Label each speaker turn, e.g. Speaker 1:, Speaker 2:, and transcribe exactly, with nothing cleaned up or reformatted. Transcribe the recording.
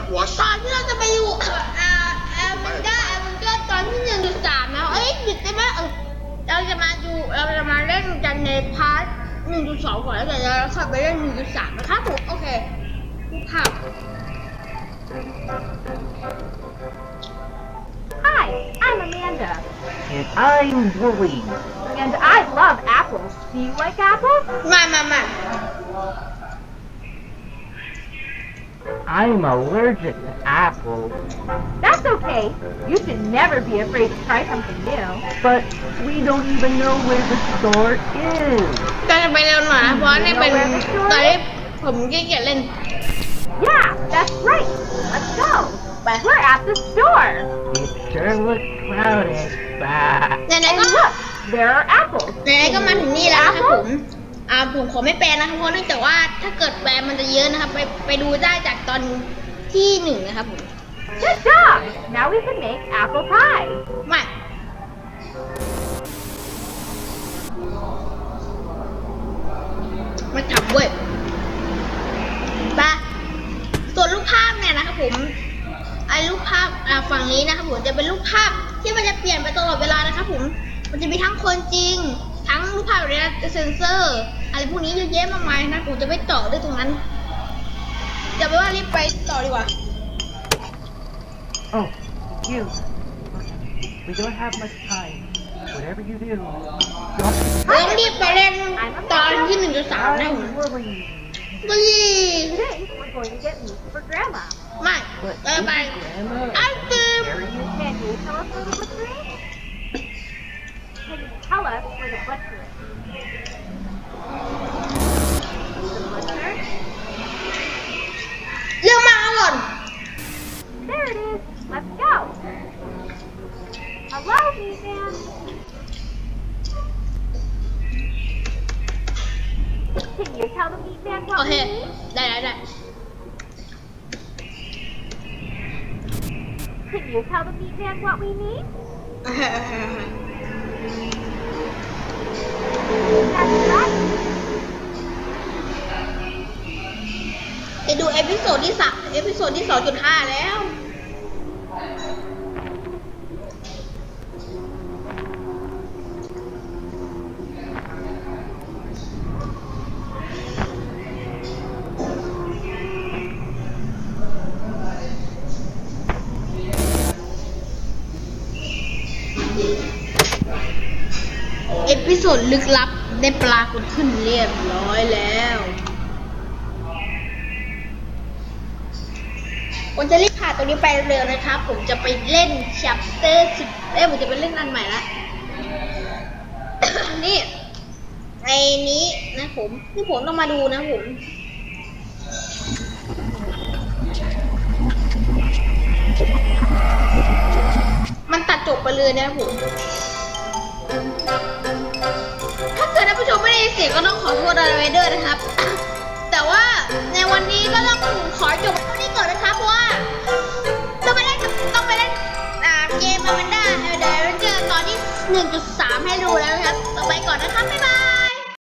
Speaker 1: หัว
Speaker 2: ตอนที่เราจะไปอยู่อ่าแอมมันก็แอมมันก็ตอนที่หนึ่งจุดสามนะเอ้ยหยุดได้ไหมเออเราจะมาดูเราจะมาเล่นกันในพาร์ทหนึ่งจุดสองก่อนแล้วเดี๋ยวเราค่อยไปเล่นหนึ่งจุดสามนะครับผมโอเคดูภาพ
Speaker 3: Hi, I'm Amanda. And I'm Willie. And I love apples. Do you like apples?
Speaker 2: มามามา
Speaker 3: I'm allergic to apples. That's okay. You should never be afraid to try something new. But we don't even know where the store is.
Speaker 2: ก็จะไปเร็วหน่อยนะเพราะนี่เป็นตอนที่ผมขี้เกียจเล่น
Speaker 3: Yeah, that's right. Let's go. But we're at the store. It sure looks crowded. Bah.
Speaker 2: And
Speaker 3: look, there are apples.
Speaker 2: ไหนๆก็มาถึงนี่แล้วนะครับผมอ่าผมขอไม่แปลนะครับเพราะเนื่องจากว่าถ้าเกิดแปลมันจะเยอะนะครับไปไปดูได้จากตอนที่หนึ่งนะครับผม
Speaker 3: Good job. Now we can make apple pie.
Speaker 2: มามาจับเว้ยปะส่วนรูปภาพเนี่ยนะครับผมไอ้รูปภาพอ่าฝั่งนี้นะครับผมจะเป็นรูปภาพที่มันจะเปลี่ยนไปตลอดเวลานะครับผมมันจะมีทั้งคนจริงทั้งรูปภาพแบบนี้เซนเซอร์อะไรพวกนี้เยอะแยะมากมายนะผมจะไม่ต่อด้วยตรงนั้นจะไปว่ารีบไปต่อดีกว่า
Speaker 3: Oh, you. We don't have much time. Whatever you do,
Speaker 2: เริ่มรีบไปเล่นตอนที่หนึ่งจุดสามนะผม
Speaker 3: I'm Willie.
Speaker 2: บุรี
Speaker 3: Today we're going to get meat for Grandma.
Speaker 2: ไม่
Speaker 3: But
Speaker 2: เออไป
Speaker 3: Grandma
Speaker 2: ไอติม
Speaker 3: Can you tell us where the butcher is? Can you tell us where the butcher is? The butcher?
Speaker 2: เรื่องมาก่อน
Speaker 3: There it is. Let's go. Hello, meat man. Can you tell the meat man
Speaker 2: โอ
Speaker 3: what
Speaker 2: เค
Speaker 3: we need?
Speaker 2: ได้ได้ได้
Speaker 3: Can you tell the meat man what we need? That's right.
Speaker 2: จะดูเอพิโซดที่สามเอพิโซดที่สองจุดห้าแล้ว เอพิโซดลึกลับได้ปรากฏขึ้นเรียบร้อยแล้วผมจะรีบผ่านตรงนี้ไปเร็วนะครับ ผมจะไปเล่น chapter สิบเอ้ยผมจะไปเล่นอันใหม่ละ นี่ไอ้นี้นะผมนี่ผมต้องมาดูนะผมมันตัดจบไปเลยนะผมถ้าเกิดท่านผู้ชมไม่ได้ยินเสียงก็ต้องขอโทษอะไรไว้ด้วยนะครับ แต่ว่าในวันนี้ก็ต้องขอจบเท่านี้ก่อนนะครับเพราะว่าต้องไปเล่นต้องไปเล่นอ่าเกมอแมนด้าเดี๋ยวเจอตอนที่ หนึ่งจุดสาม ให้ดูแล้วนะครับต่อไปก่อนนะครับบ๊ายบาย